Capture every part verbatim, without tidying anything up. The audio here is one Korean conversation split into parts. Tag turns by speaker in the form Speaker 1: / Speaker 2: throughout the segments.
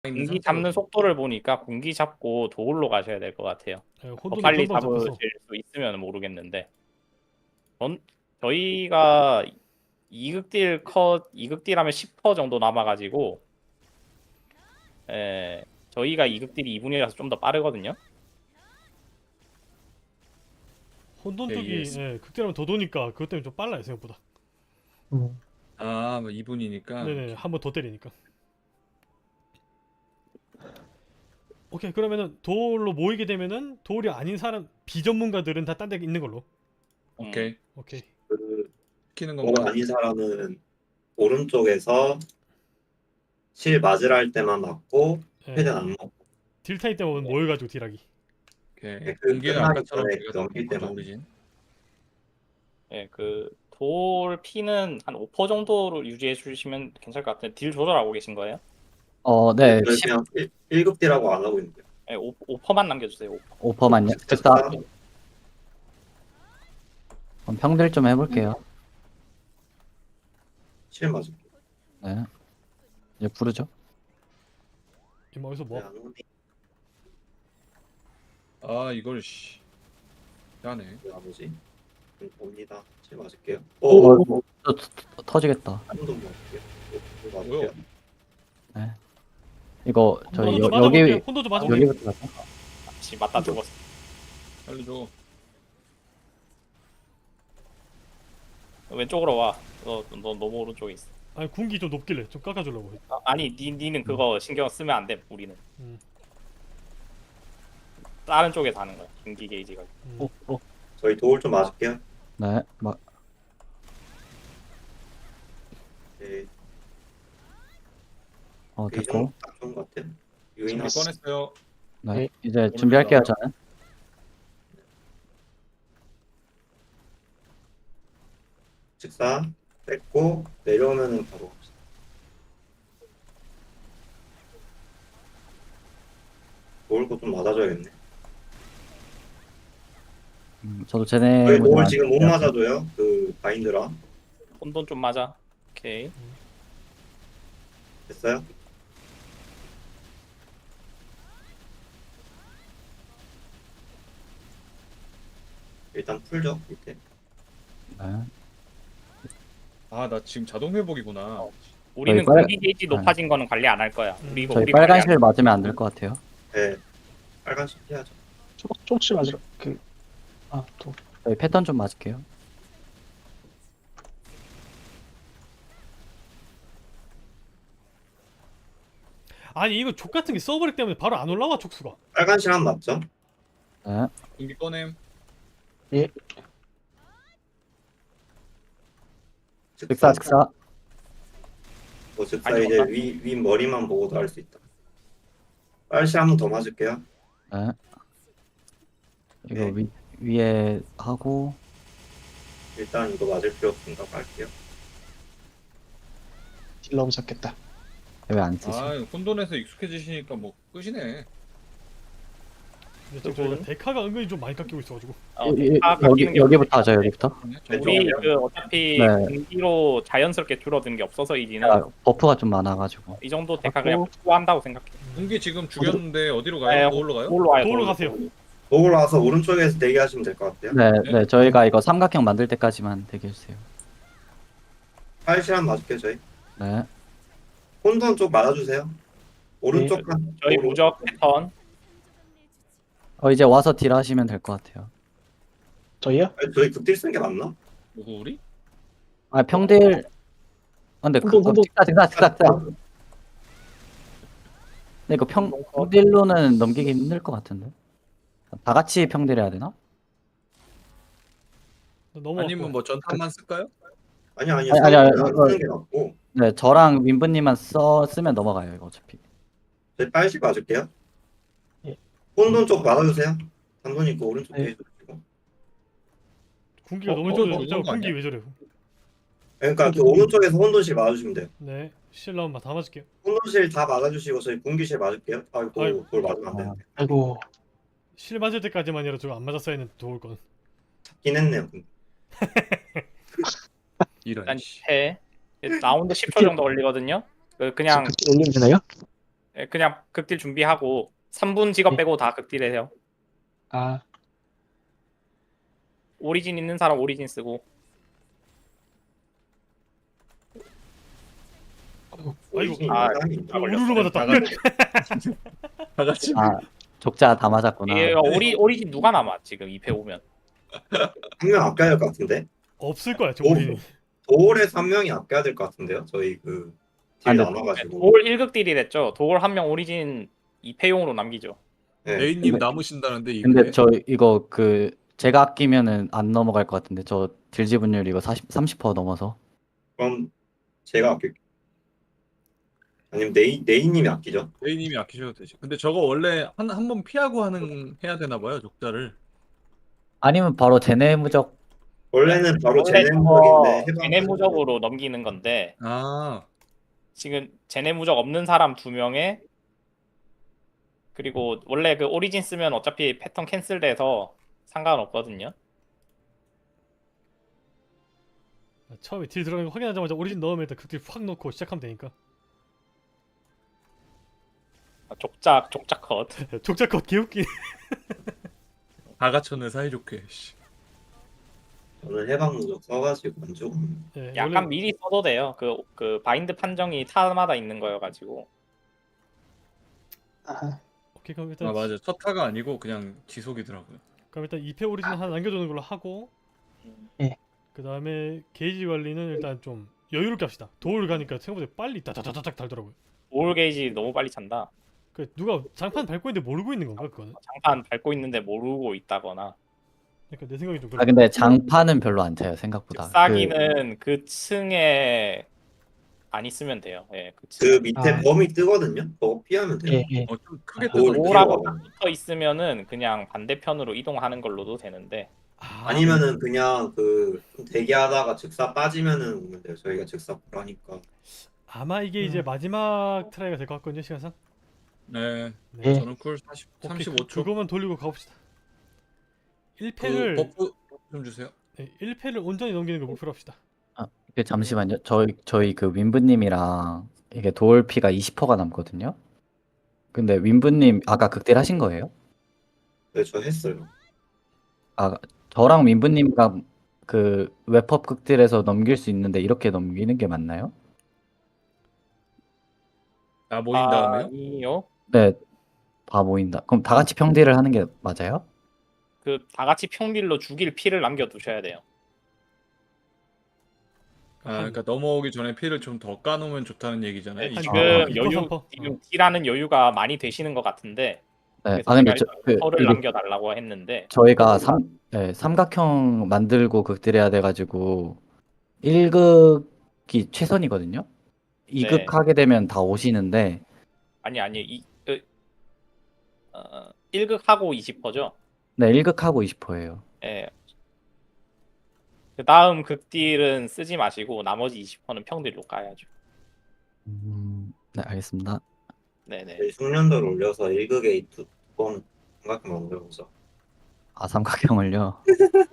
Speaker 1: 있는
Speaker 2: 공기
Speaker 1: 상태거든요.
Speaker 2: 잡는 속도를 보니까 공기 잡고 도울로 가셔야 될 것 같아요.
Speaker 3: 네,
Speaker 2: 더
Speaker 3: 혼돈이
Speaker 2: 빨리
Speaker 3: 금방 잡혀서.
Speaker 2: 잡으실 수 있으면 모르겠는데. 전 저희가 이극딜 컷 이극딜 하면 십 퍼센트 정도 남아가지고, 예, 저희가 이극딜이 이 분이라서 좀 더 빠르거든요.
Speaker 3: 혼돈
Speaker 1: 예,
Speaker 3: 쪽이
Speaker 1: 이해했어.
Speaker 3: 예, 극딜하면 더 도니까 그것 때문에 좀 빨라요 생각보다.
Speaker 4: 음.
Speaker 1: 아, 뭐 이 분이니까.
Speaker 3: 네네, 한 번 더 때리니까. 오케이, 그러면은 도울로 모이게 되면은 도울이 아닌 사람 비전문가들은 다 딴 데 있는 걸로.
Speaker 1: 오케이.
Speaker 3: 오케이.
Speaker 5: 그
Speaker 1: 시키는
Speaker 5: 뭐
Speaker 1: 건가?
Speaker 5: 아닌 사람은 오른쪽에서 실 맞으라 할 때만 맞고
Speaker 3: 예,
Speaker 5: 최대한 안 맞고
Speaker 3: 딜 타임 때문에 모여가지고 딜하기.
Speaker 1: 오케이.
Speaker 5: 그
Speaker 1: 공기는
Speaker 5: 끝나기
Speaker 1: 아까처럼
Speaker 5: 전에
Speaker 1: 우리가
Speaker 5: 넘길
Speaker 1: 먼저
Speaker 5: 때만.
Speaker 1: 오리진.
Speaker 2: 예, 그 돌 피는 한 오 퍼센트 정도로 유지해 주시면 괜찮을 것 같은데, 딜 조절하고 계신 거예요?
Speaker 6: 어, 네,
Speaker 5: 저는 그냥 일 급 딜하고 안 하고 있는데요.
Speaker 2: 예, 오 퍼센트만 남겨주세요. 오 퍼센트.
Speaker 6: 오 퍼센트만요. 즉사 그럼 평들 좀 해볼게요.
Speaker 5: 실 맞을게.
Speaker 6: 네. 이제 부르죠.
Speaker 3: 이마 어디서 뭐?
Speaker 5: 네, 안 오니
Speaker 1: 아, 이걸 씨. 야네.
Speaker 5: 왜 안 오지? 음, 옵니다. 실 맞을게요.
Speaker 6: 어,
Speaker 5: 오,
Speaker 6: 어, 터- 터- 터지겠다.
Speaker 5: 한번더 맞을게요. 오, 오,
Speaker 1: 뭐요?
Speaker 5: 맞을게요.
Speaker 6: 이거 저희
Speaker 3: 혼돈
Speaker 6: 여,
Speaker 3: 좀 맞아볼게요.
Speaker 6: 여기
Speaker 3: 혼돈 좀 맞아볼게요.
Speaker 6: 여기부터 가자.
Speaker 2: 같이 맞다 죽었어.
Speaker 1: 살려줘.
Speaker 2: 왼쪽으로 와. 너, 너 너무 오른쪽에 있어.
Speaker 3: 아니 군기 좀 높길래 좀 깎아주려고.
Speaker 2: 아, 아니, 니, 니는 그거 신경 쓰면 안 돼. 우리는
Speaker 3: 음.
Speaker 2: 다른 쪽에 사는 거야. 경기 게이지가.
Speaker 3: 음.
Speaker 4: 어, 어.
Speaker 5: 저희 도울 좀 맞을게요.
Speaker 6: 네, 막
Speaker 5: 네,
Speaker 6: 어,
Speaker 5: 이
Speaker 6: 됐고.
Speaker 5: 정도 딱 좋은 것 같아요. 유인
Speaker 1: 준비
Speaker 5: 하시
Speaker 1: 꺼냈어요.
Speaker 6: 네, 이제 준비할게요 저는.
Speaker 5: 직사 뺐고 내려오면은 바로 갑시다. 도울 거좀 맞아줘야겠네.
Speaker 6: 음, 저도 쟤네
Speaker 5: 저희 도울
Speaker 6: 모델
Speaker 5: 지금 못
Speaker 6: 안-
Speaker 5: 맞아줘요. 그 바인드랑
Speaker 2: 혼돈 좀 맞아. 오케이.
Speaker 5: 됐어요? 일단 풀죠 밑에.
Speaker 6: 네.
Speaker 1: 아, 나 지금 자동 회복이구나.
Speaker 2: 우리는
Speaker 6: 저희 빨-
Speaker 2: 공기 게이지 높아진 거는 관리 안 할 거야. 우리 이거
Speaker 6: 저희
Speaker 2: 우리
Speaker 6: 빨간
Speaker 2: 관리 안
Speaker 6: 실 맞으면 안 될 것 같아요.
Speaker 5: 네, 빨간색 해야죠.
Speaker 4: 조금 조금씩 맞으라. 그, 아, 또.
Speaker 6: 저희 패턴 좀 맞을게요.
Speaker 3: 아니 이거 족 같은 게 서버렉 때문에 바로 안 올라와 촉수가.
Speaker 5: 빨간실 한 맞죠?
Speaker 6: 네.
Speaker 1: 공기 꺼냄.
Speaker 6: 즉사 즉사.
Speaker 5: 뭐 즉사
Speaker 2: 아니,
Speaker 5: 이제
Speaker 2: 맞다.
Speaker 5: 위, 위 머리만 보고도 할 수 있다. 빨실 한 번 더 맞을게요.
Speaker 6: 네. 이거
Speaker 5: 네.
Speaker 6: 위 위에 하고
Speaker 5: 일단 이거 맞을 필요 없으니까 갈게요.
Speaker 4: 딜러브 잡겠다.
Speaker 6: 왜 안 쓰지?
Speaker 1: 아, 혼돈에서 익숙해지시니까 뭐 끝이네.
Speaker 3: 근데 지금 저희가 데카가 은근히 좀 많이 깎이고 있어가지고.
Speaker 2: 어,
Speaker 6: 이- 이-
Speaker 2: 데카
Speaker 6: 여기
Speaker 2: 깎이는 게
Speaker 6: 여기부터 하죠 여기부터.
Speaker 2: 우리
Speaker 5: 왼쪽이요?
Speaker 2: 그 어차피
Speaker 6: 네.
Speaker 2: 공기로 자연스럽게 줄어드는 게 없어서 이지는
Speaker 6: 아, 버프가 좀 많아가지고.
Speaker 2: 이 정도 데카
Speaker 6: 하고.
Speaker 2: 그냥 확보한다고 생각해.
Speaker 1: 공기 지금 죽였는데 어디로
Speaker 2: 네,
Speaker 1: 가요? 거울로 가요?
Speaker 2: 도울로 와요.
Speaker 3: 도울로 가세요.
Speaker 5: 도울 와서 오른쪽에서 대기하시면 될 것 같아요.
Speaker 6: 네,
Speaker 1: 네.
Speaker 6: 네, 저희가 이거 삼각형 만들 때까지만 대기해 주세요.
Speaker 5: 빨실 한 번 맞을게요 저희.
Speaker 6: 네.
Speaker 5: 혼돈 쪽 맞아주세요. 오른쪽
Speaker 4: 네.
Speaker 5: 한
Speaker 2: 저희
Speaker 5: 오른-
Speaker 2: 무적 패턴.
Speaker 6: 어 이제 와서 딜 하시면 될 것 같아요.
Speaker 4: 저희요?
Speaker 5: 아니, 저희 극딜 쓰는 게 맞나?
Speaker 1: 누구 우리?
Speaker 6: 아 평딜. 아, 근데 그
Speaker 4: 혼돈, 혼돈.
Speaker 6: 직사 직사 직사 직사. 근데 이거 평 평딜로는 넘기기 힘들 것 같은데. 다 같이 평딜 해야 되나?
Speaker 3: 너무
Speaker 1: 아니면 뭐 전탄만 쓸까요?
Speaker 5: 아니 아니
Speaker 6: 아니, 아니, 아니,
Speaker 5: 안
Speaker 6: 이거-
Speaker 5: 쓰는 게 맞고
Speaker 6: 네, 저랑 윈브님만 써 쓰면 넘어가요 이거 어차피.
Speaker 5: 저희 빨실 맞을게요.
Speaker 4: 예.
Speaker 5: 혼돈 쪽 맞아주세요. 단돈 있고 오른쪽
Speaker 4: 네.
Speaker 5: 대해주시고.
Speaker 3: 군기가
Speaker 1: 어,
Speaker 3: 너무
Speaker 1: 어,
Speaker 3: 좋아요.
Speaker 1: 어,
Speaker 3: 진짜
Speaker 1: 좋은 거
Speaker 3: 군기
Speaker 1: 아니야?
Speaker 3: 왜 저래?
Speaker 5: 그러니까 그 오른쪽에서 혼돈실 맞아주시면 돼요.
Speaker 3: 네, 실라운만 다 맞을게요.
Speaker 5: 혼돈실 다 맞아주시고 저희 공기실 맞을게요. 아이고
Speaker 3: 아이고.
Speaker 5: 그걸 맞으면 안 되는데.
Speaker 4: 아이고.
Speaker 3: 실 맞을 때까지만이라 저거 안 맞았어야 했는데 도울 건.
Speaker 5: 잡긴 했네요.
Speaker 1: 이런.
Speaker 2: 일단
Speaker 1: 씨.
Speaker 2: 해. 라운드 십 초 정도 걸리거든요. 그 그냥
Speaker 4: 극딜 올리면 되나요?
Speaker 2: 예, 그냥 극딜 준비하고 삼 분 직업
Speaker 4: 네.
Speaker 2: 빼고 다 극딜해요.
Speaker 4: 아,
Speaker 2: 오리진 있는 사람 오리진 쓰고.
Speaker 3: 아이고.
Speaker 5: 오리진이
Speaker 2: 아,
Speaker 5: 사람이 있나?
Speaker 2: 아, 걸렸어요.
Speaker 3: 우르르 맞았다.
Speaker 1: 다 같이 다 같이
Speaker 6: 아 족자 다 맞았구나.
Speaker 2: 이게 오리 오리진 누가 남아 지금 이 패 오면.
Speaker 5: 한 명 아껴야 될 것 같은데?
Speaker 3: 없을 거야 저
Speaker 5: 오.
Speaker 3: 우리.
Speaker 5: 도올에서 한 명이 아껴야 될 것 같은데요? 저희 그
Speaker 6: 아,
Speaker 5: 딜
Speaker 6: 근데
Speaker 5: 나눠가지고.
Speaker 2: 도올 일 극 딜이 됐죠. 도올 한 명 오리진 이 패용으로 남기죠.
Speaker 5: 네.
Speaker 7: 레이님
Speaker 6: 근데-
Speaker 7: 남으신다는데 이게
Speaker 6: 근데 저 이거 그 제가 아끼면은 안 넘어갈 것 같은데 저 딜 지분율 이거 사십 삼십 퍼센트 넘어서.
Speaker 5: 그럼 제가 아낄게요. 아니면 네이, 네이님이 아끼죠?
Speaker 7: 레이님이 아끼셔도 되지. 근데 저거 원래 한 한 번 피하고 하는 해야 되나 봐요 족자를.
Speaker 6: 아니면 바로 제네 무적.
Speaker 5: 원래는 바로
Speaker 2: 원래
Speaker 5: 제네무적인데
Speaker 2: 저거 제네무적으로 넘기는 건데
Speaker 7: 아
Speaker 2: 지금 제네무적 없는 사람 두 명에 그리고 원래 그 오리진 쓰면 어차피 패턴 캔슬돼서 상관없거든요.
Speaker 3: 처음에 딜 들어가는 거 확인하자마자 오리진 넣으면 일단 극딜 확 넣고 시작하면 되니까.
Speaker 2: 족작 족작 컷.
Speaker 3: 족자컷 개웃기.
Speaker 7: 다 갖췄네 사이좋게. 씨.
Speaker 5: 저는 해방무적 써가지고 안 죽었는데.
Speaker 3: 예,
Speaker 2: 약간
Speaker 3: 원래
Speaker 2: 미리 써도 돼요. 그 그 바인드 판정이 타마다 있는 거여가지고.
Speaker 4: 아,
Speaker 3: 오케이 그럼 일단
Speaker 7: 아 맞아 첫 타가 아니고 그냥 지속이더라고요.
Speaker 3: 그럼 일단 이 패 오리진 하나 남겨두는 걸로 하고.
Speaker 4: 예.
Speaker 3: 그 다음에 게이지 관리는 일단 좀 여유롭게 합시다. 도울 가니까 생각보다 빨리 다다다닥 달더라고요.
Speaker 2: 올 게이지 너무 빨리 찬다.
Speaker 3: 그 누가 장판 밟고 있는데 모르고 있는 건가 그거는?
Speaker 2: 장판 밟고 있는데 모르고 있다거나.
Speaker 3: 그러니까 내 생각이 좀
Speaker 6: 아
Speaker 3: 그래.
Speaker 6: 근데 장판은 별로 안 차요 생각보다.
Speaker 2: 싸기는 그 층에 안 있으면 돼요. 예, 그 층.
Speaker 5: 그 밑에
Speaker 4: 아.
Speaker 5: 범위 뜨거든요? 그거 피하면 돼요.
Speaker 4: 예, 예.
Speaker 7: 어좀 크게
Speaker 5: 오,
Speaker 7: 뜨던데.
Speaker 2: 오라고
Speaker 5: 피해봐.
Speaker 2: 딱 붙어 있으면은 그냥 반대편으로 이동하는 걸로도 되는데.
Speaker 3: 아,
Speaker 5: 아니면은 그냥 그 대기하다가 즉사 빠지면은 오면 돼요. 저희가 즉사 보라니까.
Speaker 3: 아마 이게 이제
Speaker 4: 음.
Speaker 3: 마지막 트라이가 될 것 같거든요 시간상.
Speaker 7: 네
Speaker 3: 네.
Speaker 4: 예.
Speaker 7: 저는 쿨 사십
Speaker 3: 오케이,
Speaker 7: 삼십오
Speaker 3: 그,
Speaker 7: 초.
Speaker 3: 그거만 돌리고 가봅시다.
Speaker 7: 그
Speaker 3: 일 패를
Speaker 7: 버프 좀 주세요.
Speaker 3: 네, 일 패를 온전히 넘기는 걸 목표로 합시다.
Speaker 6: 그 잠시만요. 저희 저희 그 윈브님이랑 이게 도올피가 이십 퍼센트가 남거든요. 근데 윈브님 아까 극딜 하신 거예요?
Speaker 5: 네, 저 했어요.
Speaker 6: 아 저랑 윈브님과 그 웹헙 극딜에서 넘길 수 있는데 이렇게 넘기는 게 맞나요?
Speaker 7: 아 모인 다음에요?
Speaker 2: 아니요.
Speaker 6: 네, 다 모인다. 그럼 다 같이 평딜을 하는 게 맞아요?
Speaker 2: 그 다 같이 평딜로 죽일 피를 남겨 두셔야 돼요.
Speaker 7: 아 그러니까 넘어오기 전에 피를 좀 더 까놓으면 좋다는 얘기잖아요.
Speaker 2: 네,
Speaker 7: 이
Speaker 2: 지금
Speaker 6: 아,
Speaker 3: 이 퍼,
Speaker 2: 여유
Speaker 3: 삼 퍼.
Speaker 2: 지금 딜하는 여유가 많이 되시는 것 같은데.
Speaker 6: 네.
Speaker 2: 그래서
Speaker 6: 아 근데
Speaker 2: 제가
Speaker 6: 저, 그
Speaker 2: 퍼를
Speaker 6: 이게
Speaker 2: 남겨달라고 했는데.
Speaker 6: 저희가 삼, 네, 삼각형 만들고 극딜해야 돼가지고 일 극이 최선이거든요. 이 극
Speaker 2: 네.
Speaker 6: 하게 되면 다 오시는데
Speaker 2: 아니 아니 이 그, 어, 일 극 하고 이십 퍼죠.
Speaker 6: 네, 일 극하고 이십 퍼센트예요.
Speaker 2: 예. 그 다음 극딜은 쓰지 마시고 나머지 이십 퍼센트는 평딜로 까야죠.
Speaker 6: 음, 네, 알겠습니다.
Speaker 2: 네네.
Speaker 5: 저희 숙련도를 올려서 일 극에 두번 삼각형 만들어보자.
Speaker 6: 아, 삼각형을요?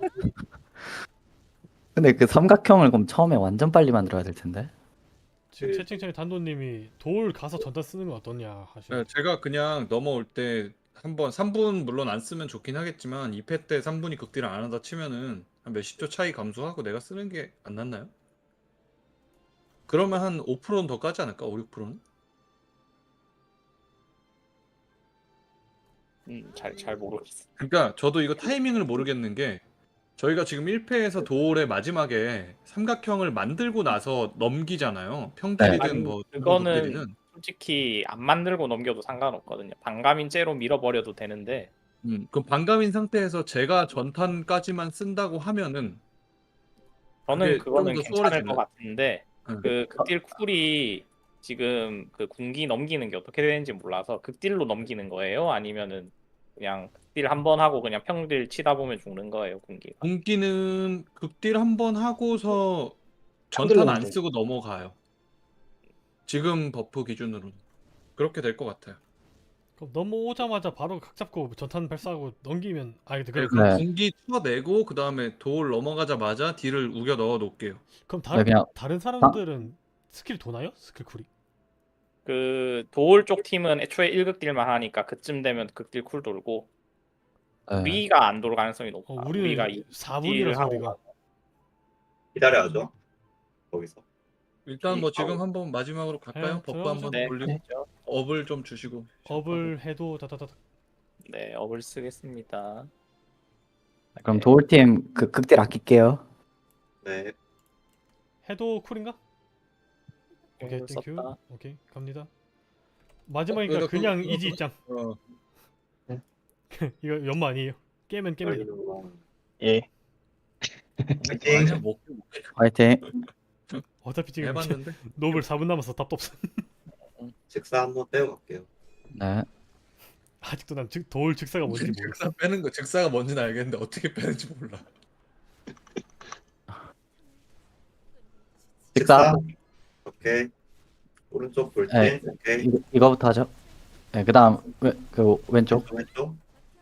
Speaker 6: 근데 그 삼각형을 그럼 처음에 완전 빨리 만들어야 될 텐데.
Speaker 3: 지금
Speaker 5: 그-
Speaker 3: 채팅창에 단도님이 돌 가서 전단 쓰는 건 어떠냐 하시는.
Speaker 7: 네, 제가 그냥 넘어올 때 한번 삼 분 물론 안 쓰면 좋긴 하겠지만 이 패 때 삼 분이 극딜을 안 한다 치면은 한 몇십 초 차이 감소하고 내가 쓰는 게 안 낫나요? 그러면 한 오 퍼센트는 더 까지 않을까? 오, 육 퍼센트는?
Speaker 2: 음, 잘 잘 모르겠어.
Speaker 7: 그러니까 저도 이거 타이밍을 모르겠는 게 저희가 지금 일 패에서 도올의 마지막에 삼각형을 만들고 나서 넘기잖아요. 평딜이든
Speaker 2: 아니,
Speaker 7: 뭐
Speaker 2: 그거는
Speaker 7: 극딜이든.
Speaker 2: 솔직히 안 만들고 넘겨도 상관없거든요. 반감인째로 밀어버려도 되는데
Speaker 7: 음, 그럼 반감인 상태에서 제가 전탄까지만 쓴다고 하면은
Speaker 2: 저는
Speaker 7: 그게
Speaker 2: 그거는
Speaker 7: 좀더
Speaker 2: 괜찮을 것
Speaker 7: 수월해지나요?
Speaker 2: 같은데
Speaker 7: 음.
Speaker 2: 그 극딜 쿨이 지금 그 군기 넘기는 게 어떻게 되는지 몰라서 극딜로 넘기는 거예요? 아니면은 그냥 극딜 한 번 하고 그냥 평딜 치다 보면 죽는 거예요, 군기가?
Speaker 7: 공기는 극딜 한 번 하고서
Speaker 4: 평딜로
Speaker 7: 전탄 안
Speaker 4: 만들어요.
Speaker 7: 쓰고 넘어가요. 지금 버프 기준으로는 그렇게 될 것 같아요.
Speaker 3: 그럼 넘어오자마자 바로 각 잡고 전탄 발사하고 넘기면 아 근데
Speaker 7: 네,
Speaker 3: 그럼
Speaker 7: 그럼
Speaker 6: 네.
Speaker 7: 공기 쳐내고 그 다음에 돌 넘어가자마자 딜을 우겨 넣어 놓을게요.
Speaker 3: 그럼 다른
Speaker 6: 그냥
Speaker 3: 다른 사람들은 스킬 도나요? 스킬 쿨이?
Speaker 2: 그 도울 쪽 팀은 애초에 일 극딜만 하니까 그쯤 되면 극딜 쿨 돌고
Speaker 6: 네.
Speaker 2: 우리가 안 돌 가능성이 높아.
Speaker 3: 어,
Speaker 2: 우리가
Speaker 3: 우리는
Speaker 2: 이
Speaker 3: 사 분이라서
Speaker 2: 하고
Speaker 3: 우리가
Speaker 5: 기다려야죠. 거기서.
Speaker 7: 일단 뭐 지금 한번 마지막으로 갈까요?
Speaker 3: 네,
Speaker 7: 버프
Speaker 3: 들어가죠.
Speaker 7: 한번
Speaker 2: 네,
Speaker 7: 돌리고
Speaker 2: 그렇죠.
Speaker 7: 업을 좀 주시고.
Speaker 3: 업을 해도 다다다다.
Speaker 2: 네, 업을 쓰겠습니다.
Speaker 6: 그럼
Speaker 2: 네.
Speaker 6: 도울팀 그 극딜 아낄게요.
Speaker 5: 네.
Speaker 3: 해도 쿨인가? 오케이,
Speaker 2: 업을
Speaker 3: 땡큐.
Speaker 2: 썼다.
Speaker 3: 오케이, 갑니다. 마지막이니까
Speaker 7: 어, 그래도
Speaker 3: 그냥
Speaker 7: 그-
Speaker 3: 이지 입장.
Speaker 7: 어,
Speaker 3: 이거 연마 아니에요. 깨면 깨면.
Speaker 5: 걸리는구나.
Speaker 4: 예.
Speaker 5: 파이팅.
Speaker 7: 아니야 뭐
Speaker 6: 화이팅.
Speaker 3: 어차피 지금
Speaker 7: 해봤는데.
Speaker 3: 노블 사 분 남아서 답도 없어.
Speaker 5: 즉사 한번 떼어 갈게요.
Speaker 6: 네.
Speaker 3: 아직도 난 즉, 도울 즉사가 뭔지 모르겠어.
Speaker 7: 즉사 빼는 거 즉사가 뭔지는 알겠는데 어떻게 빼는지 몰라.
Speaker 6: 즉사.
Speaker 5: 오케이. 오른쪽 볼
Speaker 6: 네.
Speaker 5: 때. 오케이.
Speaker 6: 이거, 이거부터 하죠. 네, 그다음 그, 그 왼쪽.
Speaker 5: 왼쪽 왼쪽.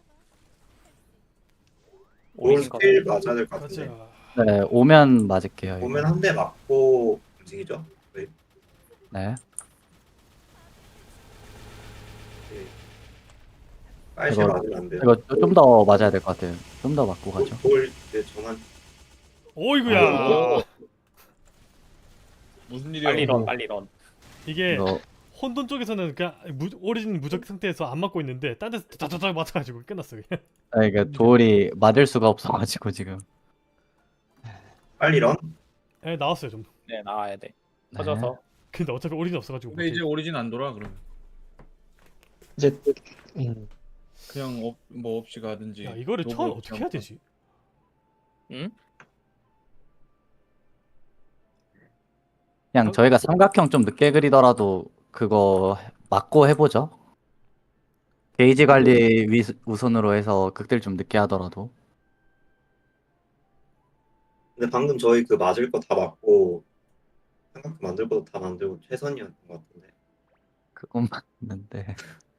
Speaker 5: 올
Speaker 2: 오리진 거.
Speaker 5: 스킬 맞아야 될 것 같은데.
Speaker 3: 가자.
Speaker 6: 네, 오면 맞을게요. 이거.
Speaker 5: 보면 한 대 맞고 움직이죠. 네.
Speaker 6: 네.
Speaker 5: 빨실
Speaker 6: 이거-
Speaker 5: 맞으면 안 돼요.
Speaker 6: 이거 좀 더 맞아야 될 것 같아요. 좀 더 맞고 가죠.
Speaker 5: 볼 이제 전환.
Speaker 3: 오이구야.
Speaker 2: 오.
Speaker 7: 무슨 일이야?
Speaker 2: 빨리 런, 빨리 런.
Speaker 3: 이게
Speaker 6: 이거
Speaker 3: 혼돈 쪽에서는 그냥 무, 오리진 무적 상태에서 안 맞고 있는데 딴 데서 다다닥 맞아가지고 끝났어 그냥.
Speaker 6: 아, 이게 도울이 맞을 수가 없어가지고 지금.
Speaker 5: 빨리 런.
Speaker 3: 에 나왔어요 좀.
Speaker 2: 네, 나와야 돼.
Speaker 6: 네.
Speaker 2: 터져서.
Speaker 3: 근데 어차피 오리진 없어가지고.
Speaker 7: 근데 이제 오리진 안 돌아 그러면
Speaker 4: 이제 음,
Speaker 7: 그냥 업, 뭐 없이 가든지.
Speaker 3: 야 이거를
Speaker 7: 노블
Speaker 3: 처음
Speaker 7: 없이
Speaker 3: 어떻게 해야
Speaker 7: 하고.
Speaker 3: 되지?
Speaker 2: 응?
Speaker 6: 그냥 저희가 삼각형 좀 늦게 그리더라도 그거 맞고 해보죠. 게이지 관리 위, 우선으로 해서 극딜 좀 늦게 하더라도.
Speaker 5: 근데 방금 저희 그 맞을 거 다 맞고 삼각형 만들 것도 다 만들고 최선이었던 것 같은데.
Speaker 6: 그건 맞는데.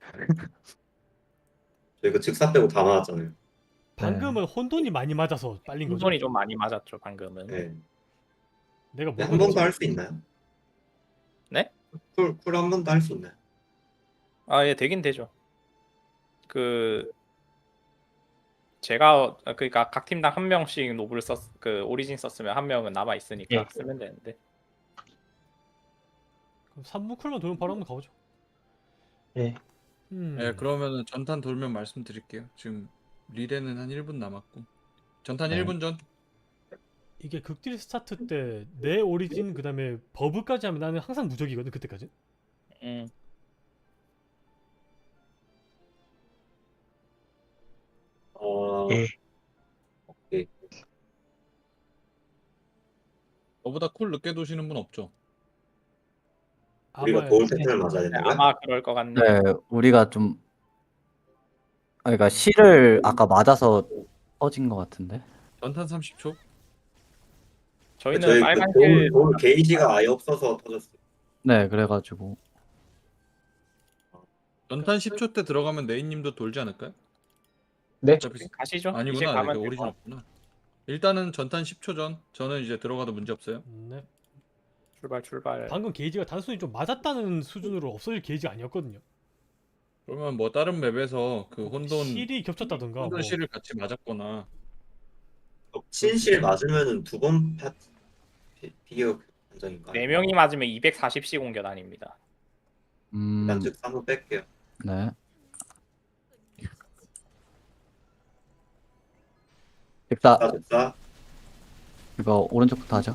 Speaker 5: 저희 그 즉사 빼고 다 맞았잖아요.
Speaker 3: 방금은 혼돈이 많이 맞아서 빨린 거죠.
Speaker 2: 혼돈이 좀 많이 맞았죠, 방금은.
Speaker 5: 네.
Speaker 3: 내가 뭐
Speaker 5: 한 번 더 할 수 있나요?
Speaker 2: 네?
Speaker 5: 쿨, 쿨 한 번 더 할 수 있나요?
Speaker 2: 아, 예, 되긴 되죠. 그 제가 그러니까 각 팀당 한 명씩 노블 썼, 그 오리진 썼으면 한 명은 남아 있으니까
Speaker 4: 예.
Speaker 2: 쓰면 되는데.
Speaker 3: 그럼 삼 분 쿨만 돌면 바로 한번 가보죠.
Speaker 4: 예.
Speaker 3: 음.
Speaker 7: 네, 그러면은 전탄 돌면 말씀드릴게요. 지금 리레는 한 일 분 남았고. 전탄
Speaker 6: 네.
Speaker 7: 일 분 전.
Speaker 3: 이게 극딜 스타트 때 내 오리진 그다음에 버브까지 하면 나는 항상 무적이거든 그때까지.
Speaker 2: 음.
Speaker 5: 어,
Speaker 4: 예.
Speaker 5: 오케이.
Speaker 7: 저보다 쿨 늦게 도시는 분 없죠?
Speaker 5: 우리가
Speaker 3: 아마
Speaker 5: 도울 패턴을 맞아야
Speaker 2: 네,
Speaker 5: 되는 거야?
Speaker 2: 아마 그럴 것 같네.
Speaker 6: 네, 우리가 좀 아, 그러니까 실을 아까 맞아서 터진 것 같은데.
Speaker 7: 전탄 삼십 초.
Speaker 2: 저희는
Speaker 5: 저희
Speaker 2: 빨간
Speaker 5: 그 도울,
Speaker 2: 길
Speaker 5: 도울 게이지가 아예 없어서 터졌어.
Speaker 6: 네, 그래가지고
Speaker 7: 전탄 십 초 때 들어가면 네이님도 돌지 않을까요?
Speaker 4: 네.
Speaker 7: 어차피
Speaker 2: 가시죠. 이제
Speaker 7: 아니구나.
Speaker 2: 가면
Speaker 7: 이게
Speaker 2: 될것
Speaker 7: 오리진
Speaker 2: 같아요.
Speaker 7: 없구나. 일단은 전탄 십 초 전. 저는 이제 들어가도 문제 없어요.
Speaker 3: 네.
Speaker 2: 출발 출발.
Speaker 3: 방금 게이지가 단순히 좀 맞았다는 수준으로 없어질 게이지가 아니었거든요.
Speaker 7: 그러면 뭐 다른 맵에서 그 혼돈
Speaker 3: 실이 겹쳤다던가
Speaker 7: 혼돈
Speaker 3: 뭐.
Speaker 7: 실을 같이 맞았거나.
Speaker 5: 친실 맞으면은 두 번 파티 비- 비교 판정인가?
Speaker 2: 네 명이 맞으면 이백사십 시 공격 아닙니다.
Speaker 6: 음,
Speaker 5: 일단 즉사 한번 뺄게요.
Speaker 6: 네. 즉사
Speaker 5: 즉사 즉사.
Speaker 6: 이거 오른쪽부터 하죠.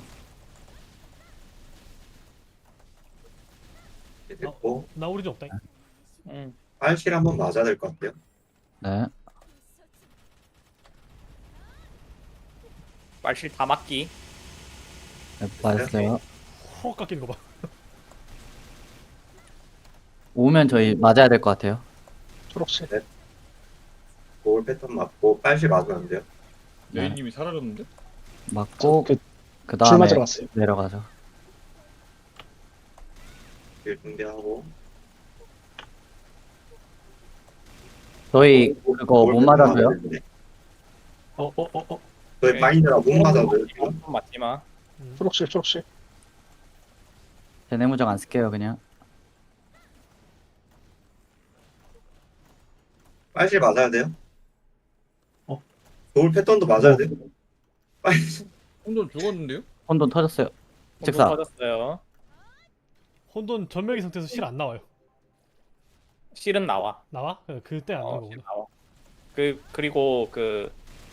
Speaker 5: 이렇게 됐고
Speaker 3: 나 오리진 없다.
Speaker 2: 음.
Speaker 5: 빨실 한번 맞아야 될 것 같아요.
Speaker 6: 네.
Speaker 2: 말실 다 맞기.
Speaker 6: 네, 맞았어요.
Speaker 3: 호흡 깎이는 거 봐.
Speaker 6: 오면 저희 맞아야 될 것 같아요.
Speaker 4: 초록색.
Speaker 5: 도울 패턴 맞고 빨실 맞으면 안 돼요.
Speaker 6: 네.
Speaker 7: 네이님이 사라졌는데?
Speaker 6: 맞고
Speaker 4: 그
Speaker 6: 그
Speaker 4: 줄
Speaker 6: 다음에
Speaker 4: 맞으러 갔어요.
Speaker 6: 내려가죠.
Speaker 5: 길 준비하고.
Speaker 6: 저희 그거
Speaker 5: 도울
Speaker 6: 못
Speaker 5: 패턴
Speaker 6: 맞아서요?
Speaker 5: 맞아야 되는데.
Speaker 4: 어, 어, 어, 어.
Speaker 5: 저희 바인드라 못 맞아서요. 지금.
Speaker 2: 좀 맞지 마.
Speaker 3: 음.
Speaker 4: 초록색, 초록색.
Speaker 6: 제네무적 안 쓸게요 그냥.
Speaker 5: 빨실 맞아야 돼요.
Speaker 4: 어.
Speaker 5: 도울 패턴도 맞아야 돼요. 빨
Speaker 7: 혼돈 죽었는데요?
Speaker 6: 혼돈 터졌어요.
Speaker 2: 혼돈
Speaker 6: 즉사.
Speaker 2: 터졌어요.
Speaker 3: 혼돈 전멸기 상태에서 실 안 나와요.
Speaker 2: 실은 나와.
Speaker 3: 나와? 그- 그때 안
Speaker 2: 어,
Speaker 3: 나온
Speaker 2: 실
Speaker 3: 거구나.
Speaker 2: 나와. 그 그리고 그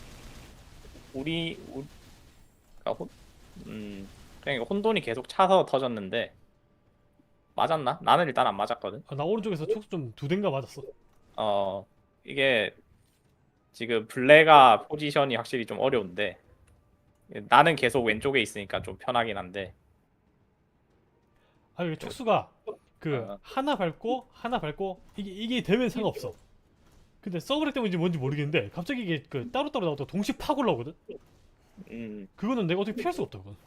Speaker 2: 우리 우리 그러니까 혼, 음 그냥 혼돈이 계속 차서 터졌는데 맞았나? 나는 일단 안 맞았거든.
Speaker 3: 아, 나 오른쪽에서 촉수 좀 두 대인가 맞았어.
Speaker 2: 어 이게 지금 블레가 포지션이 확실히 좀 어려운데 나는 계속 왼쪽에 있으니까 좀 편하긴 한데
Speaker 3: 아, 이게 촉수가 그
Speaker 2: 어.
Speaker 3: 하나 밟고 하나 밟고 이게 이게 되면 상관없어. 근데 서브렉 때문인지 뭔지 모르겠는데 갑자기 이게 그 따로따로 나오다가 동시에 팍 올라오거든.
Speaker 2: 음
Speaker 3: 그거는 내가 어떻게 피할 수가 없다 그건.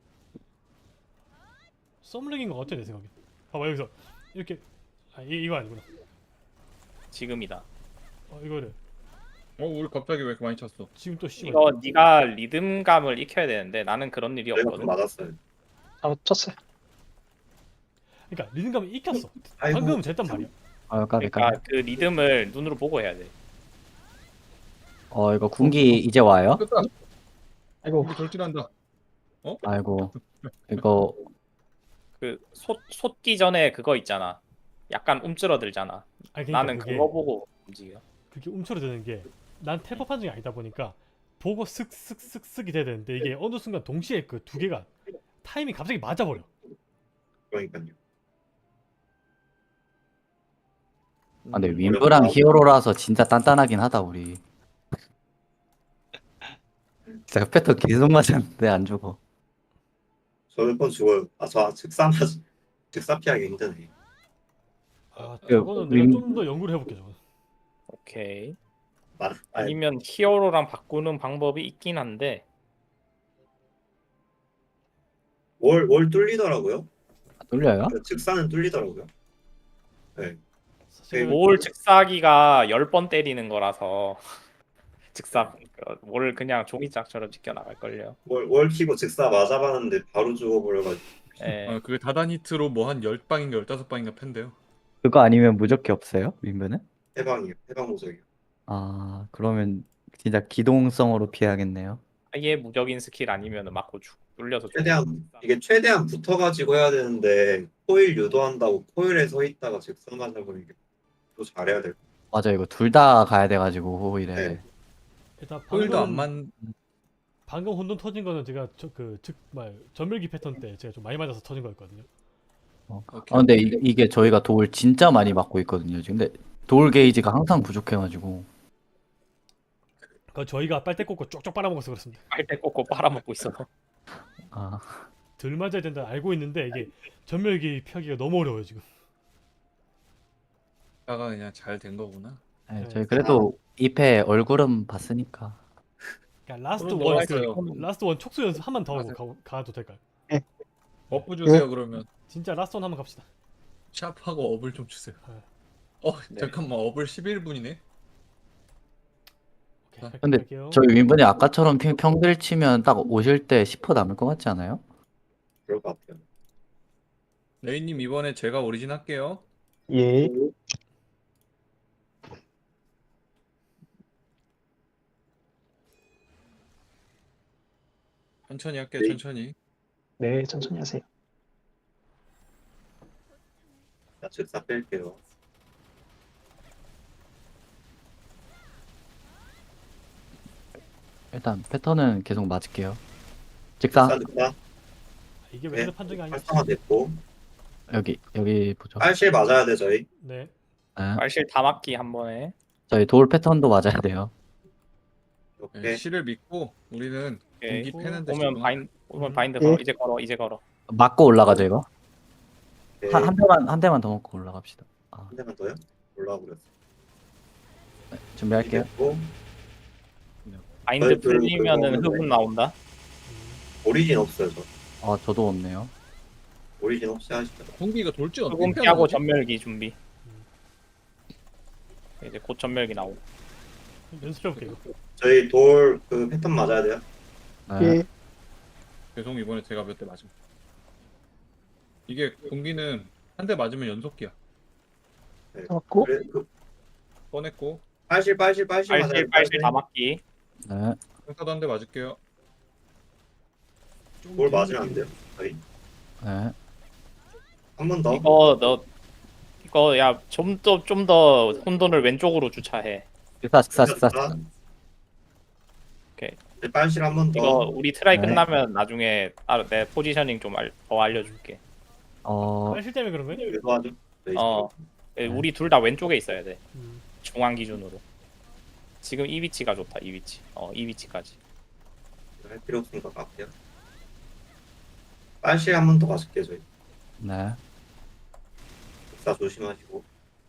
Speaker 3: 썸렉인 것 같아 내 생각에. 봐봐 여기서 이렇게 아 이, 이거 아니구나.
Speaker 2: 지금이다.
Speaker 3: 어 이거를
Speaker 7: 어 우리 갑자기 왜 이렇게 많이 찼어?
Speaker 3: 지금 또 씨발.
Speaker 2: 이거 네가 리듬감을 익혀야 되는데 나는 그런 일이
Speaker 5: 저희가
Speaker 2: 없거든.
Speaker 5: 좀 맞았어요.
Speaker 4: 아, 쳤어요.
Speaker 3: 그러니까 리듬감이 익혔어.
Speaker 5: 아이고,
Speaker 3: 방금은 됐단 말이야.
Speaker 6: 아, 까비 까비.
Speaker 2: 그러니까 그 리듬을 눈으로 보고 해야 돼.
Speaker 6: 어, 이거 군기 이제 와요?
Speaker 7: 끝다.
Speaker 4: 아이고,
Speaker 7: 우리 돌진한다.
Speaker 6: 아이고. 이거
Speaker 2: 그 솟, 솟기 전에 그거 있잖아. 약간 움츠러들잖아.
Speaker 3: 아니 그러니까
Speaker 2: 나는
Speaker 3: 그게
Speaker 2: 그거 보고 움직여.
Speaker 3: 그게 움츠러드는 게 난 텔퍼 판정이 아니다 보니까 보고 슥슥슥슥이 돼야 되는데 이게 어느 순간 동시에 그 두 개가 타이밍 갑자기 맞아버려.
Speaker 5: 그러니까요.
Speaker 6: 아, 근데
Speaker 2: 음,
Speaker 6: 윈브랑 히어로라서 진짜 단단하긴 하다 우리. 진짜 패턴 계속 맞았는데 안 죽어.
Speaker 5: 저 몇 번 죽어요. 아, 저 즉사 맞 즉사 피하기 힘드네.
Speaker 3: 아
Speaker 6: 그
Speaker 3: 저거는 내가
Speaker 6: 윈-
Speaker 3: 좀 더 연구를 해볼게 저거.
Speaker 2: 오케이.
Speaker 5: 맞 아니,
Speaker 2: 아니면 히어로랑 바꾸는 방법이 있긴 한데
Speaker 5: 월, 월 뚫리더라고요.
Speaker 6: 뚫려요?
Speaker 5: 그 즉사는 뚫리더라고요. 네.
Speaker 3: 사실
Speaker 2: 뭘 즉사기가 열 번 때리는 거라서 즉사 뭘 그냥 종이짝처럼 지켜 나갈 걸요.
Speaker 5: 월, 월 키고 즉사 맞아봤는데 바로 죽어버려가지고.
Speaker 2: 예.
Speaker 7: 어, 그게 다단 히트로 뭐 한 열 방인가 열다섯 방인가 팬데요.
Speaker 6: 그거 아니면 무적기 없어요? 윈브는?
Speaker 5: 해방이요. 해방 모적이요.
Speaker 6: 아, 그러면 진짜 기동성으로 피해야겠네요.
Speaker 2: 아예 무적인 스킬 아니면 맞고 죽 뚫려서 죽.
Speaker 5: 최대한 이게 최대한 붙어가지고 해야 되는데 코일 유도한다고 코일에 서 있다가 즉사 맞아버리는 게또 잘해야 될.
Speaker 6: 맞아, 이거 둘 다 가야 돼가지고 호일에.
Speaker 5: 네.
Speaker 3: 일단
Speaker 7: 호일도 안
Speaker 3: 방금
Speaker 7: 만.
Speaker 3: 방금 혼돈 터진 거는 제가 저그즉말 전멸기 패턴 때 제가 좀 많이 맞아서 터진 거였거든요.
Speaker 6: 어.
Speaker 7: 오케이.
Speaker 6: 아, 근데 이, 이게 저희가 돌 진짜 많이 맞고 있거든요 지금. 근데 돌 게이지가 항상 부족해가지고.
Speaker 3: 그 저희가 빨대 꽂고 쪽쪽 빨아먹어서 그렇습니다.
Speaker 2: 빨대 꽂고 빨아먹고 있어서.
Speaker 6: 아,
Speaker 3: 덜 맞아야 된다 알고 있는데 이게 전멸기 피하기가 너무 어려워요 지금.
Speaker 7: 다가 그냥 잘 된 거구나.
Speaker 6: 네,
Speaker 3: 네.
Speaker 6: 저희 그래도 이 패 얼굴은 봤으니까.
Speaker 3: 그러니까 라스트
Speaker 7: 그럼
Speaker 3: 원
Speaker 7: 넘어갔어요.
Speaker 3: 그 라스트 원 촉수 연습 한 번 더 하고
Speaker 7: 맞아요.
Speaker 3: 가, 가도 될까요?
Speaker 7: 버프 주세요 그러면.
Speaker 3: 진짜 라스트 원 한번 갑시다.
Speaker 7: 샵하고 업을 좀 주세요.
Speaker 3: 네.
Speaker 7: 어
Speaker 2: 네.
Speaker 7: 잠깐만 업을 십일 분이네.
Speaker 3: 오케이, 갈게요,
Speaker 6: 근데
Speaker 3: 갈게요.
Speaker 6: 저희 윈분이 아까처럼 평- 평들 치면 딱 오실 때 십 퍼센트 남을 것 같지 않아요?
Speaker 5: 그럴 것 같아요.
Speaker 7: 레이님 이번에 제가 오리진 할게요.
Speaker 4: 예.
Speaker 7: 천천히 할게요
Speaker 5: 네.
Speaker 7: 천천히.
Speaker 4: 네, 천천히 하세요.
Speaker 5: 자, 즉사 뺄게요.
Speaker 6: 일단 패턴은 계속 맞을게요. 직사
Speaker 5: 즉사 즉사
Speaker 3: 아, 이게
Speaker 5: 네.
Speaker 3: 왼쪽 판정이 아니지.
Speaker 5: 활성화 됐고
Speaker 6: 여기 여기 보죠.
Speaker 5: 빨실 맞아야 돼 저희.
Speaker 3: 네.
Speaker 6: 네.
Speaker 2: 말실 다 맞기 한 번에.
Speaker 6: 저희 돌 패턴도 맞아야 돼요.
Speaker 5: 오케이.
Speaker 7: 네, 실을 믿고 우리는
Speaker 2: 오케이.
Speaker 7: 공기 패는데
Speaker 2: 오면
Speaker 7: 지금.
Speaker 2: 바인 오면
Speaker 3: 음.
Speaker 2: 바인드
Speaker 4: 예.
Speaker 2: 걸어. 이제 걸어. 이제 걸어.
Speaker 6: 맞고 올라가죠 이거.
Speaker 5: 오케이.
Speaker 6: 한, 한 대만 한 대만 더 먹고 올라갑시다. 아,
Speaker 5: 한 대만 더요? 올라와 버렸어.
Speaker 6: 네, 준비할게요.
Speaker 5: 됐고
Speaker 2: 바인드
Speaker 5: 그- 그-
Speaker 2: 풀리면은
Speaker 5: 그거
Speaker 2: 흡은 나온다.
Speaker 5: 오리진 없어요 저.
Speaker 6: 아, 저도 없네요.
Speaker 5: 오리진 없이 하시죠.
Speaker 7: 공기가 돌진 어떻게
Speaker 2: 흡은
Speaker 7: 피하는
Speaker 2: 피하고
Speaker 7: 거지?
Speaker 2: 전멸기 준비. 이제 곧 전멸기 나오고.
Speaker 3: 연습해볼게요 이거.
Speaker 5: 저희 돌 그 패턴 맞아야 돼요.
Speaker 6: 네.
Speaker 4: 예.
Speaker 7: 죄송 이번에 제가 몇 대 맞음. 이게 공기는 한 대 맞으면 연속기야.
Speaker 5: 네.
Speaker 4: 맞고,
Speaker 5: 그래, 그,
Speaker 7: 꺼냈고
Speaker 5: 빨실 빨실 빨실 맞아야
Speaker 2: 빨실
Speaker 5: 돼.
Speaker 2: 빨실 다 맞기.
Speaker 6: 네.
Speaker 7: 평타도 한 대 맞을게요.
Speaker 3: 좀
Speaker 5: 뭘
Speaker 3: 되는
Speaker 5: 맞으면 안
Speaker 3: 느낌.
Speaker 5: 돼요? 저희
Speaker 6: 네.
Speaker 5: 한 번 더.
Speaker 2: 이거 너 이거 야 좀 더 좀 더 혼돈을 왼쪽으로 주차해.
Speaker 6: 직사 직사 직사 직사.
Speaker 2: 오케이.
Speaker 5: 네, 빨실 한 번
Speaker 2: 이거
Speaker 5: 더.
Speaker 2: 우리 트라이
Speaker 6: 네.
Speaker 2: 끝나면 나중에 따로 내 포지셔닝 좀 더 알려줄게.
Speaker 6: 어
Speaker 3: 빨실 때문에 그런 거예요?
Speaker 5: 유도하죠. 네,
Speaker 2: 어.
Speaker 6: 네.
Speaker 2: 우리 둘 다 왼쪽에 있어야 돼.
Speaker 3: 음.
Speaker 2: 중앙 기준으로. 지금 이 위치가 좋다. 이 위치. 어, 이 위치까지.
Speaker 5: 할 필요 없으니까 갈게요. 빨실 한 번 더 맞을게요 저희.
Speaker 6: 네.
Speaker 5: 복사 조심하시고.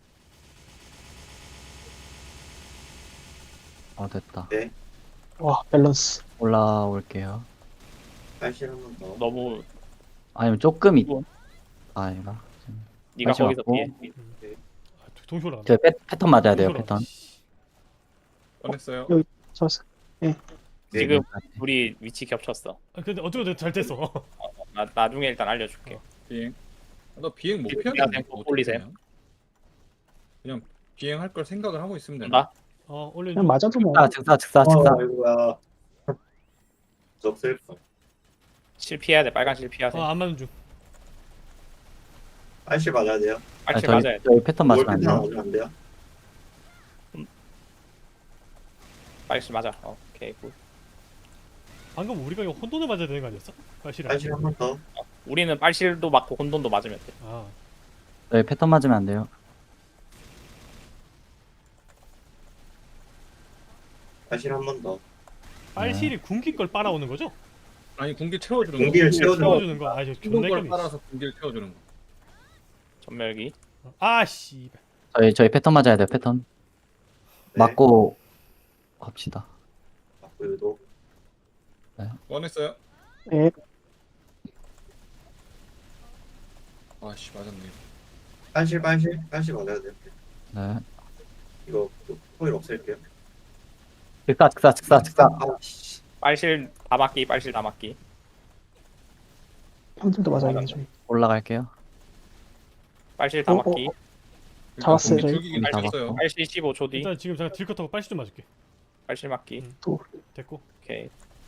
Speaker 6: 어 됐다.
Speaker 5: 네.
Speaker 4: 와, 밸런스.
Speaker 6: 올라올게요.
Speaker 5: 빨실 한 번 더.
Speaker 2: 너무
Speaker 6: 아니면 조금 있.
Speaker 2: 뭐?
Speaker 6: 아 아니다.
Speaker 2: 네가
Speaker 6: 다시
Speaker 2: 거기서
Speaker 6: 맞고.
Speaker 2: 피해.
Speaker 3: 아, 동시 올라간다.
Speaker 6: 저 패, 패턴 맞아야 돼요.
Speaker 3: 동시 올라간다.
Speaker 6: 패턴.
Speaker 7: 꺼냈어요.
Speaker 4: 여기 잡았어.
Speaker 5: 네.
Speaker 2: 지금 우리 위치 겹쳤어.
Speaker 3: 아, 근데 어쩌고 잘 됐어.
Speaker 2: 나 나중에 일단 알려줄게.
Speaker 7: 비행. 아, 나 비행 못
Speaker 2: 비행
Speaker 7: 피하겠네.
Speaker 2: 템포
Speaker 7: 어떻게
Speaker 2: 올리세요.
Speaker 7: 되냐? 그냥 비행할 걸 생각을 하고 있으면 되나?
Speaker 2: 나
Speaker 3: 어, 올려.
Speaker 4: 그냥 맞아도 뭐.
Speaker 6: 아 직사 직사 직사.
Speaker 5: 어, 아이고야. 적쓸 걸.
Speaker 2: 실피해야 돼. 빨간 실피하세요.
Speaker 3: 어, 안 맞는 중.
Speaker 5: 빨실 맞아야 돼요.
Speaker 6: 아,
Speaker 2: 빨실
Speaker 6: 저희,
Speaker 2: 맞아야 돼.
Speaker 6: 저희 패턴
Speaker 5: 뭘
Speaker 6: 맞으면 안
Speaker 5: 패턴
Speaker 6: 돼요.
Speaker 5: 맞으면 안 돼요.
Speaker 2: 빨실 맞아. 어, 오케이. 굿.
Speaker 3: 방금 우리가 이거 혼돈을 맞아야 되는 거 아니었어? 빨실이.
Speaker 5: 빨실 한 번 더.
Speaker 2: 우리는 빨실도 맞고 혼돈도 맞으면 돼.
Speaker 3: 아,
Speaker 6: 저희 패턴 맞으면 안 돼요.
Speaker 5: 빨실 한 번 더.
Speaker 3: 빨실이 군기 걸 빨아오는 거죠?
Speaker 7: 아니 공기 채워주는 거.
Speaker 5: 공기를 채워주는 거.
Speaker 3: 채워주는 거. 아, 이거
Speaker 7: 힘든
Speaker 3: 존나
Speaker 7: 걸
Speaker 3: 헷갈리네.
Speaker 7: 빨아서 공기를 채워주는 거.
Speaker 2: 전멸기.
Speaker 3: 아, 씨.
Speaker 6: 저희 저희 패턴 맞아야 돼요. 패턴.
Speaker 5: 네.
Speaker 6: 맞고 갑시다.
Speaker 5: 맞고 유도.
Speaker 7: 꺼냈어요.
Speaker 4: 네.
Speaker 7: 아씨 맞았네.
Speaker 5: 빨실 빨실 빨실 맞아야 돼요.
Speaker 6: 네.
Speaker 5: 이거 그 코일 없앨게요.
Speaker 6: 직사 직사 직사 직사.
Speaker 5: 아, 씨.
Speaker 2: 빨실 다 맞기. 빨실 다 맞기.
Speaker 4: 형들도 맞아야겠네, 저희.
Speaker 6: 올라갈게요.
Speaker 2: 빨실 다
Speaker 4: 어,
Speaker 2: 맞기.
Speaker 4: 어, 잡았어요,
Speaker 7: 공기
Speaker 4: 저희.
Speaker 7: 줄기긴
Speaker 6: 다
Speaker 7: 했어요.
Speaker 2: 빨실 십오 초 뒤.
Speaker 3: 일단 지금 제가 딜컷하고 빨실 좀 맞을게.
Speaker 2: 빨실 맞기.
Speaker 3: 음.
Speaker 4: 또.
Speaker 3: 됐고.
Speaker 2: 오케이.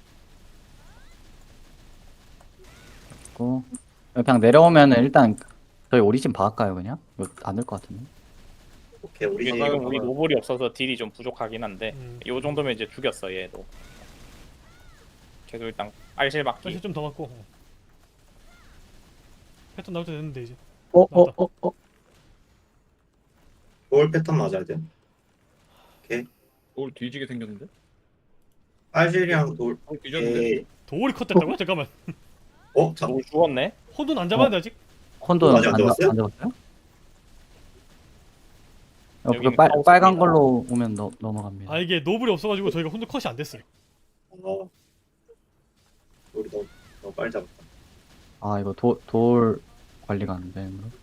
Speaker 6: 고 그냥 내려오면은 일단 저희 오리진 박을까요 그냥? 이거 안 될 것 같은데.
Speaker 5: 오케이 우리
Speaker 2: 우리
Speaker 5: 지금
Speaker 2: 지금 우리 노블이 없어서 딜이 좀 부족하긴 한데
Speaker 3: 음.
Speaker 2: 요 정도면 이제 죽였어 얘도. 계속 일단 빨실 맞기.
Speaker 3: 빨실 좀 더 맞고. 어. 패턴 나올 때 됐는데 이제.
Speaker 4: 어, 어, 어, 어.
Speaker 5: 볼 패턴 맞아야 돼요.
Speaker 7: 돌 뒤지게 생겼는데?
Speaker 5: 빨실이랑 돌.
Speaker 7: 돌 뒤졌는데?
Speaker 5: 에이.
Speaker 3: 도올이 컷됐다고요? 잠깐만.
Speaker 5: 어? 자,
Speaker 2: 노블 죽었네.
Speaker 3: 혼돈 안 잡았는데 아직?
Speaker 6: 혼돈
Speaker 5: 아직 안
Speaker 6: 안,
Speaker 5: 잡았어요?
Speaker 6: 안 잡았어요? 어, 그
Speaker 2: 여기는
Speaker 6: 빨,
Speaker 2: 카오스입니다.
Speaker 6: 빨간 걸로 오면 너, 넘어갑니다.
Speaker 3: 아, 이게 노블이 없어가지고 저희가 혼돈 컷이 안 됐어요.
Speaker 5: 어. 우리 너무 너무 빨리 잡았다.
Speaker 6: 아 이거 도, 돌 관리가 안 되는 거.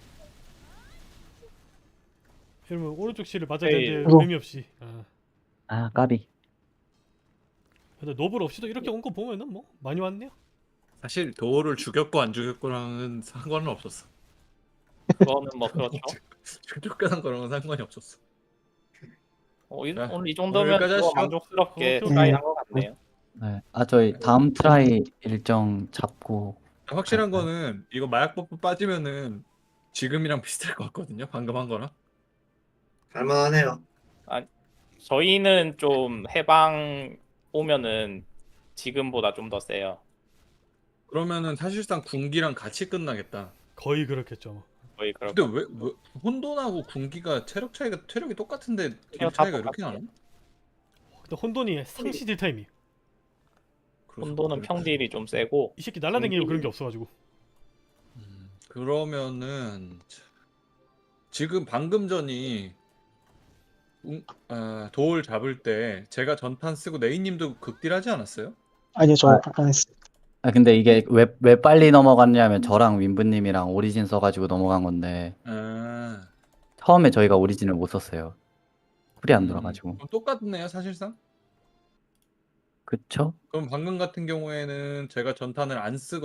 Speaker 3: 이러면 오른쪽 실을 맞아야
Speaker 2: 에이.
Speaker 3: 되는데
Speaker 4: 아이고.
Speaker 3: 의미 없이. 아.
Speaker 6: 아 까비.
Speaker 3: 근데 노블 없이도 이렇게 온 거 보면은 뭐 많이 왔네요.
Speaker 7: 사실 돌을 죽였고 안 죽였고랑은 상관은 없었어.
Speaker 2: 그거는 뭐 그렇죠.
Speaker 7: 쫓겨난 거랑은 상관이 없었어.
Speaker 2: 어, 이,
Speaker 7: 자,
Speaker 2: 오늘 이 정도면
Speaker 7: 여기까지
Speaker 2: 뭐
Speaker 7: 하시죠.
Speaker 2: 만족스럽게
Speaker 3: 어,
Speaker 2: 트라이
Speaker 4: 음.
Speaker 2: 한것 같네요.
Speaker 6: 네. 아 저희 다음 트라이 일정 잡고.
Speaker 7: 확실한
Speaker 6: 네.
Speaker 7: 거는 이거 마약 버프 빠지면은 지금이랑 비슷할 것 같거든요. 방금 한 거랑.
Speaker 5: 할만하네요.
Speaker 2: 저희는 좀 해방 오면은 지금보다 좀 더 세요.
Speaker 7: 그러면은 사실상 군기랑 같이 끝나겠다.
Speaker 3: 거의 그렇겠죠. 뭐.
Speaker 2: 거의 그럴
Speaker 7: 근데 왜, 왜 혼돈하고 군기가 체력 차이가 체력이 똑같은데 딜
Speaker 2: 체력 다
Speaker 7: 차이가 이렇게 나나?
Speaker 2: 똑같아요.
Speaker 3: 근데 혼돈이 상시 딜 타임이.
Speaker 2: 혼돈은 평딜이 좀 세고
Speaker 3: 이 새끼 날라다니고
Speaker 2: 음.
Speaker 3: 그런 게 없어가지고.
Speaker 7: 음, 그러면은 지금 방금 전이 웅- 아, 돌 잡을 때 제가 전판 쓰고 네이님도 극딜하지 않았어요?
Speaker 4: 아니요, 저
Speaker 6: 아.
Speaker 4: 안 했어요.
Speaker 6: 아 근데 이게 왜, 왜 빨리 넘어갔냐면 저랑 윈브님이랑 오리진 써가지고 넘어간 건데
Speaker 7: 아,
Speaker 6: 처음에 저희가 오리진을 못 썼어요. 풀이 안
Speaker 7: 음,
Speaker 6: 돌아가지고.
Speaker 7: 그럼 똑같네요 사실상.
Speaker 6: 그쵸?
Speaker 7: 그럼 방금 같은 경우에는 제가 전탄을 안 쓰고